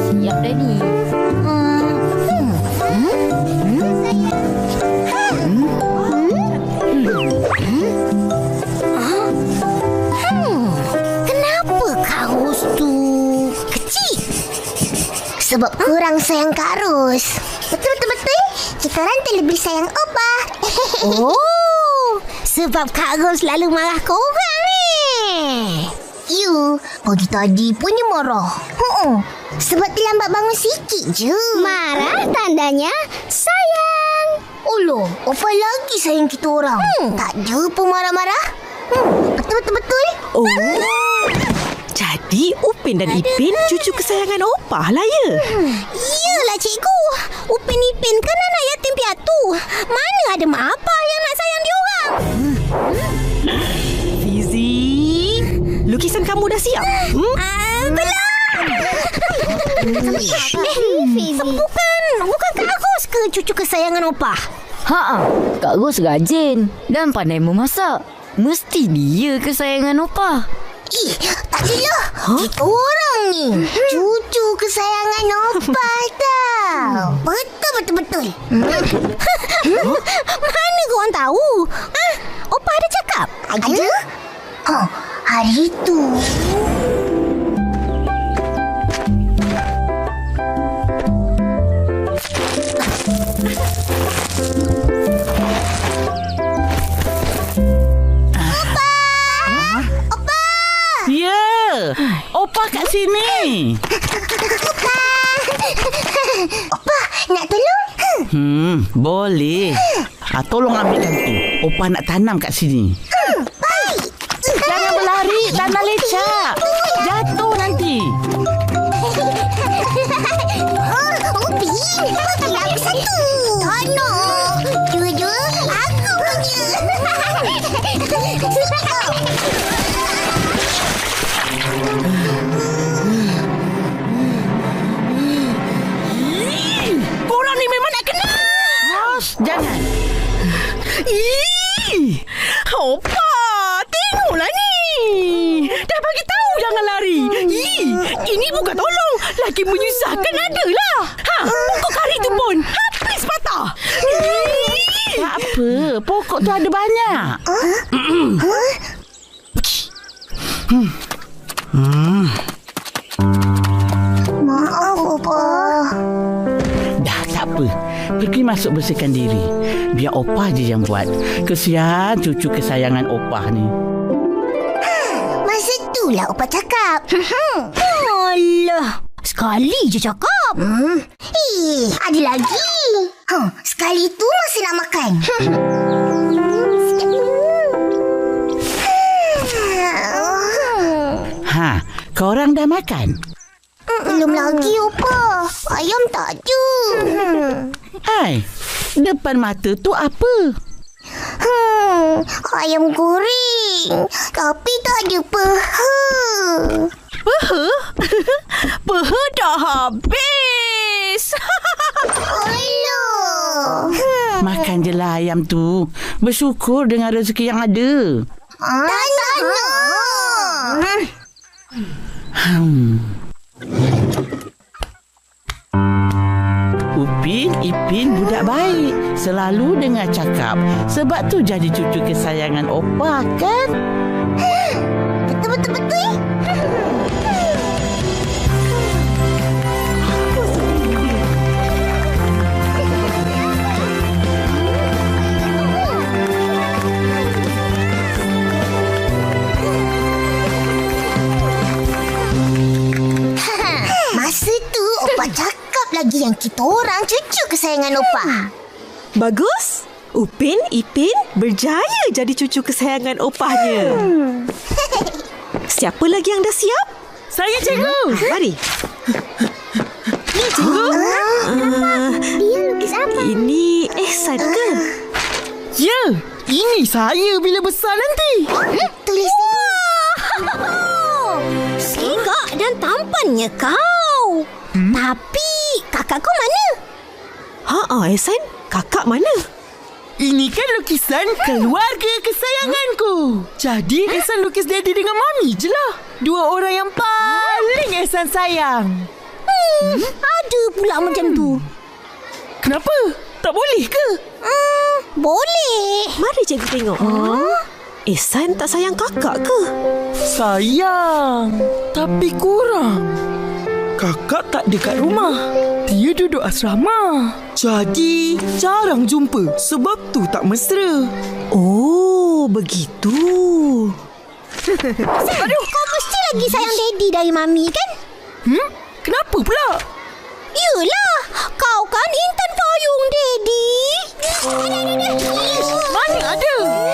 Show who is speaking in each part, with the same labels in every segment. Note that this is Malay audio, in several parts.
Speaker 1: siap dah ni.
Speaker 2: Kenapa kaus tu kecil? Sebab kurang sayang Kak Ros. Betul. Kita orang terlebih sayang Opa. Oh, sebab Kak Ros selalu marah korang You, pagi tadi pun dia marah. Sebab terlambat bangun sikit je. Marah tandanya sayang. Oloh, Opa lagi sayang kita orang. Tak ada pun marah-marah. Betul.
Speaker 3: Oh, jadi Upin dan Ipin cucu kesayangan Opah lah ya?
Speaker 2: Iyalah cikgu. Upin Ipin kan anak yatim piatu. Mana ada mak abah yang nak sayang dia orang.
Speaker 3: Fizi, lukisan kamu dah siap?
Speaker 2: Belum. Bukan Kak Ros ke cucu kesayangan Opah?
Speaker 1: Kak Ros rajin dan pandai memasak. Mesti dia kesayangan Opah.
Speaker 2: Tak adalah. Kita orang ni cucu kesayangan Opah tau. Betul. Mana korang tahu? Opah ada cakap? Ada? Hari tu.
Speaker 4: Ya, Opah kat sini.
Speaker 2: Opah, nak tolong?
Speaker 4: Boleh. Tolong ambilkan tu. Opah nak tanam kat sini.
Speaker 2: Baik.
Speaker 4: Jangan berlari, tanah lecak. Jatuh nanti.
Speaker 2: Upin, bagi aku satu. Tanah. Dua-dua, aku punya.
Speaker 4: Korang ni memang nak kena. Ros, jangan.
Speaker 3: Opah, tengoklah ni. Dah bagi tahu jangan lari. Ini bukan tolong. Lagi menyusahkan adalah. Pokok kari tu pun habis patah.
Speaker 4: Tak apa, pokok tu ada banyak.
Speaker 2: Maaf, Opah.
Speaker 4: Dah, tak apa. Pergi masuk bersihkan diri. Biar Opah je yang buat. Kesian cucu kesayangan Opah ni.
Speaker 2: Masa itulah Opah cakap. Alah, sekali je cakap. Ada lagi. Sekali tu masa nak makan.
Speaker 4: Korang dah makan?
Speaker 2: Belum lagi, Opah. Ayam tak ada.
Speaker 4: Hai, depan mata tu apa?
Speaker 2: Ayam goreng. Tapi tak ada peha.
Speaker 3: Peha dah habis.
Speaker 2: Alah.
Speaker 4: Makan je lah ayam tu. Bersyukur dengan rezeki yang ada.
Speaker 2: Tak nak.
Speaker 4: Upin, Ipin budak baik. Selalu dengar cakap. Sebab tu jadi cucu kesayangan Opah kan?
Speaker 2: Betul. Masa tu Opah cakap lagi yang kita orang cucu kesayangan Opah.
Speaker 3: Bagus. Upin, Ipin berjaya jadi cucu kesayangan Opahnya. Siapa lagi yang dah siap?
Speaker 4: Saya cikgu.
Speaker 3: Mari. Ni cikgu.
Speaker 2: Dia lukis apa?
Speaker 3: Ini Ehsan ke?
Speaker 4: Ya, ini saya bila besar nanti.
Speaker 2: Tulis Segak dan tampannya kau. Tapi kakak kau mana?
Speaker 3: Ehsan, kakak mana?
Speaker 4: Ini kan lukisan keluarga kesayanganku. Jadi Ehsan lukis daddy dengan mami je lah. Dua orang yang paling Ehsan sayang.
Speaker 2: Ada pula macam tu.
Speaker 3: Kenapa? Tak boleh ke?
Speaker 2: Boleh.
Speaker 5: Mari cikgu tengok. Ihsan tak sayang kakak ke?
Speaker 3: Sayang, tapi kurang. Kakak tak dekat rumah. Dia duduk asrama. Jadi, jarang jumpa. Sebab tu tak mesra.
Speaker 5: Oh, begitu.
Speaker 2: Aduh, kau mesti lagi sayang Daddy dari Mami kan?
Speaker 3: Kenapa pula?
Speaker 2: Yelah, kau kan intan payung Daddy.
Speaker 3: Mana ada?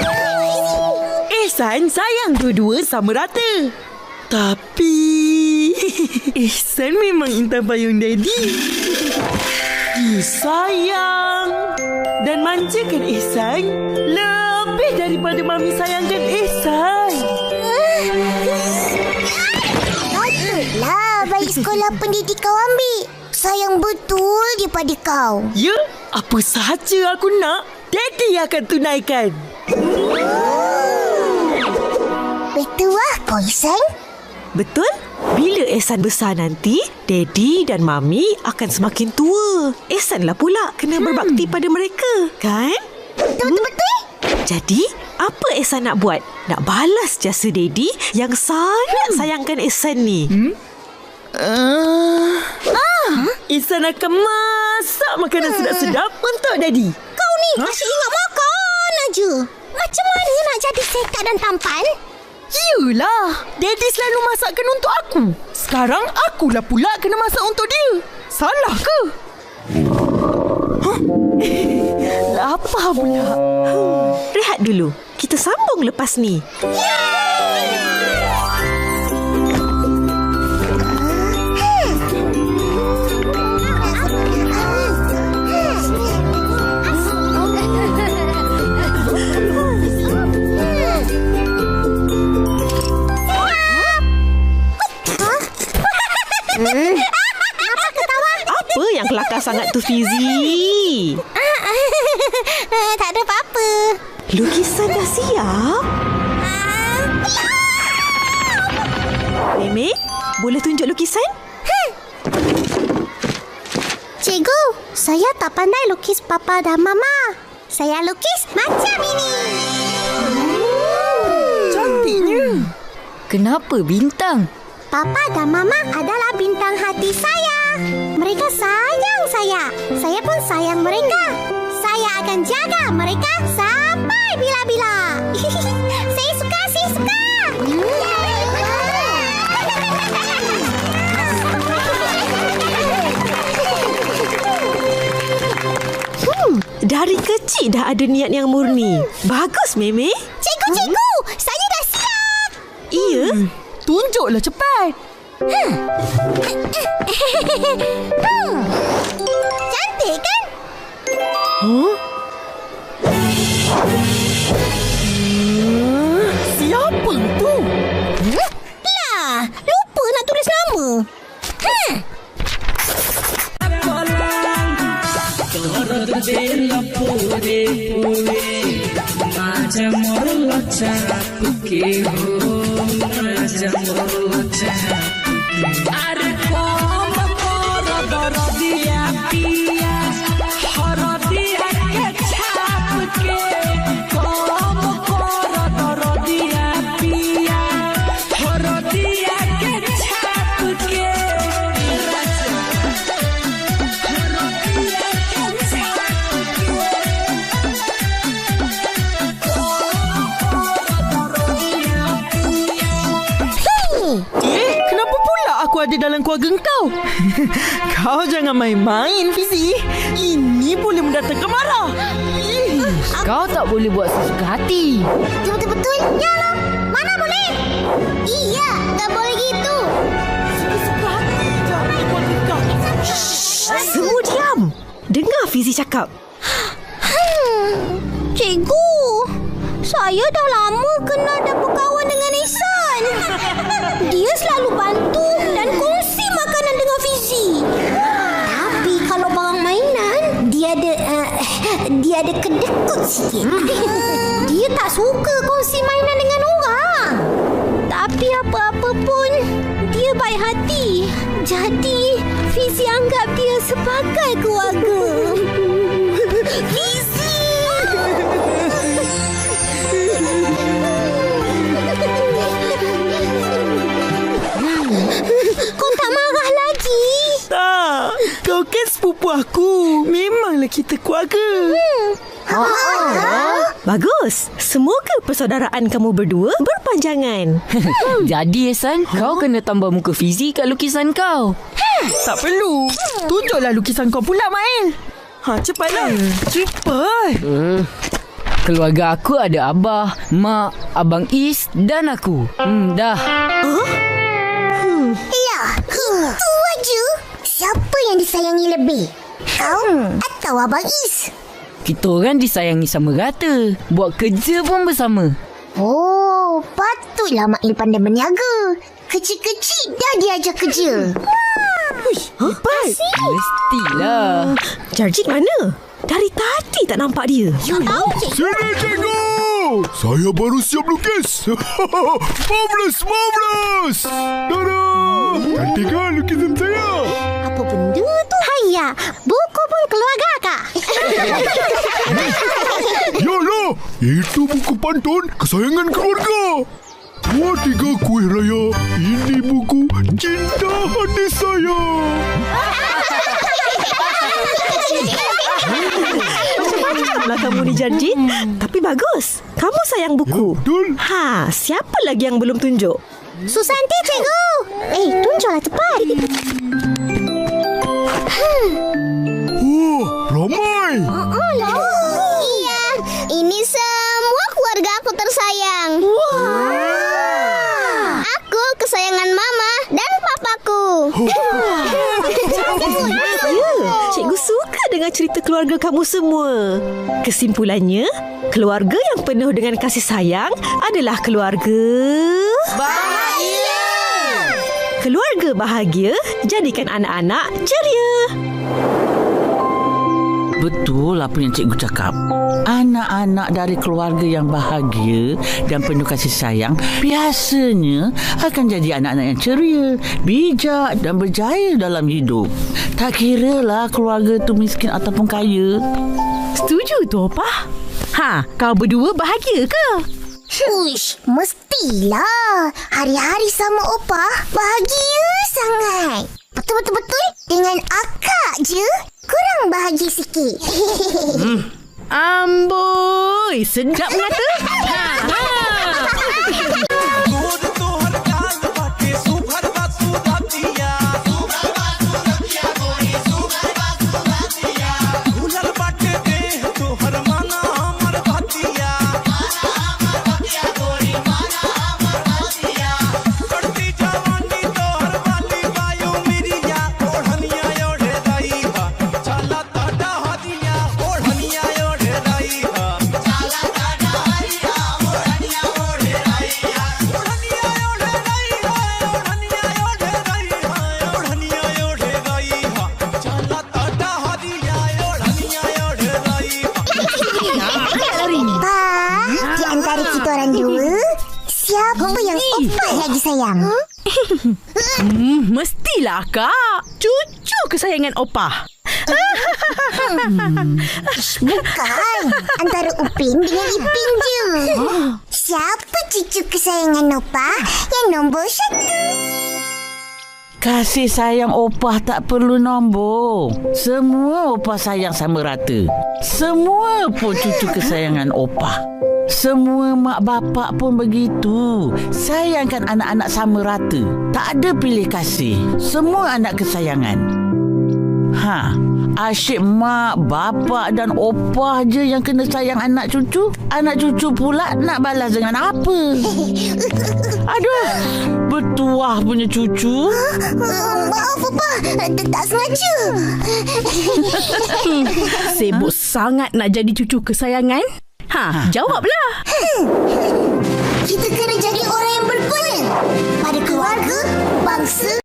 Speaker 3: Ihsan sayang dua-dua sama rata. Tapi Ihsan memang intan payung Daddy. Dia sayang dan manjakan Ihsan lebih daripada Mami sayangkan Ihsan.
Speaker 2: Patutlah balik sekolah pendidik kau ambil. Sayang betul dia pada kau.
Speaker 3: Ya, apa sahaja aku nak, Daddy akan tunaikan.
Speaker 2: Betul lah kau Ihsan.
Speaker 5: Betul? Bila Ihsan besar nanti, Daddy dan Mami akan semakin tua. Ihsanlah pula kena berbakti pada mereka, kan?
Speaker 2: Betul-betul.
Speaker 5: Jadi, apa Ihsan nak buat? Nak balas jasa Daddy yang sangat sayangkan Ihsan ni.
Speaker 3: Ihsan akan masak makanan sedap-sedap untuk Daddy.
Speaker 2: Kau ni asyik ingat makan aja. Macam mana nak jadi sekat dan tampan?
Speaker 3: Yelah, Daddy selalu masakkan untuk aku. Sekarang akulah pula kena masak untuk dia. Salah ke? Lapar pula.
Speaker 5: Rehat dulu. Kita sambung lepas ni. Apa yang kelakar sangat tu, Fizi?
Speaker 2: Tak ada apa-apa.
Speaker 5: Lukisan dah siap? Meme, boleh tunjuk lukisan?
Speaker 2: Cikgu, saya tak pandai lukis Papa dan Mama. Saya lukis macam ini.
Speaker 3: Cantiknya.
Speaker 1: Kenapa bintang?
Speaker 2: Papa dan Mama adalah bintang hati saya. Mereka sayang saya. Saya pun sayang mereka. Saya akan jaga mereka sampai bila-bila. Saya suka.
Speaker 5: Dari kecil dah ada niat yang murni. Bagus, Meme.
Speaker 2: Cikgu, saya dah siap.
Speaker 5: Iya.
Speaker 3: Tunjuklah cepat.
Speaker 2: Cantik kan?
Speaker 3: Siapa tu?
Speaker 2: Lah, lupa nak tulis nama.
Speaker 3: Kenapa pula aku ada dalam keluarga kau? Kau jangan main-main, Fizi. Ini boleh mendatangkan marah.
Speaker 1: Kau tak boleh buat sesuka hati.
Speaker 2: Betul-betul? Ya lah. Mana boleh? Iya, tak boleh gitu.
Speaker 3: Sesuka hati jangan di keluarga kau.
Speaker 5: Semua diam. Dengar Fizi cakap.
Speaker 2: Cikgu, saya dah lama kenal dan berkawan dengan Ihsan. Dia selalu bantu dan kongsi makanan dengan Fizi. Tapi kalau barang mainan, dia ada kedekut sikit. Dia tak suka kongsi mainan dengan orang. Tapi apa-apa pun, dia baik hati Jadi, Fizi anggap dia sebagai keluarga. Fizi! Kau tak marah lagi?
Speaker 3: Tak, kau kan sepupu aku. Memanglah kita keluarga.
Speaker 5: Bagus. Semoga persaudaraan kamu berdua berpanjangan.
Speaker 1: Jadi Ehsan, kau kena tambah muka Fizi kat lukisan kau.
Speaker 3: Tak perlu. Tunjuklah lukisan kau pula, Mail. Cepatlah. Cepat.
Speaker 1: Keluarga aku ada abah, mak, abang Is dan aku. Dah.
Speaker 2: Lah, itu aja. Siapa yang disayangi lebih? Kau atau Abang Is?
Speaker 1: Kita orang disayangi sama rata. Buat kerja pun bersama.
Speaker 2: Oh, patutlah Mak Il pandai berniaga. Kecil-kecil dah diajar kerja.
Speaker 1: Mestilah.
Speaker 5: Jarjit mana? Dari tadi tak nampak dia.
Speaker 6: Sini cikgu! Saya baru siap lukis. Marvelous! Tada! Cantik kan lukisan saya?
Speaker 2: Apa benda tu? Hayya, buku pun keluarga kak.
Speaker 6: Yalah, itu buku pantun kesayangan keluarga. 2-3 kuih raya. Ini buku cinta hati saya.
Speaker 5: Macam-macamlah kamu ni, Jarjit. Tapi bagus. Kamu sayang buku.
Speaker 6: Betul.
Speaker 5: Siapa lagi yang belum tunjuk?
Speaker 2: Susanti, cikgu. Tunjuklah cepat.
Speaker 6: Ramai.
Speaker 2: Iya, ini semua keluarga aku tersayang. Aku kesayangan mama dan papaku.
Speaker 5: Ya, cikgu suka dengar cerita keluarga kamu semua. Kesimpulannya, keluarga yang penuh dengan kasih sayang adalah keluarga bahagia. Keluarga bahagia jadikan anak-anak ceria.
Speaker 4: Betul apa yang cikgu cakap. Anak-anak dari keluarga yang bahagia dan penuh kasih sayang biasanya akan jadi anak-anak yang ceria, bijak dan berjaya dalam hidup. Tak kiralah keluarga tu miskin ataupun kaya.
Speaker 3: Setuju tu, Opah. Kau berdua bahagia ke?
Speaker 2: Uish, mestilah. Hari-hari sama Opah bahagia sangat. Betul-betul dengan akak je kurang bahagia sikit.
Speaker 3: Amboi, sedap mengata.
Speaker 2: Siapa yang Opah lagi sayang?
Speaker 3: Mestilah, Kak. Cucu kesayangan Opah.
Speaker 2: Bukan. Antara Upin dengan Ipin je. Siapa cucu kesayangan Opah yang nombor 1?
Speaker 4: Kasih sayang Opah tak perlu nombor. Semua Opah sayang sama rata. Semua pun cucu kesayangan Opah. Semua mak bapak pun begitu. Sayangkan anak-anak sama rata. Tak ada pilih kasih. Semua anak kesayangan. Asyik mak, bapak dan opah je yang kena sayang anak cucu. Anak cucu pula nak balas dengan apa? Aduh, bertuah punya cucu.
Speaker 2: Maaf Opah, tak sengaja.
Speaker 3: Sibuk sangat nak jadi cucu kesayangan? Jawablah.
Speaker 2: Kita kena jadi orang yang berguna pada keluarga, bangsa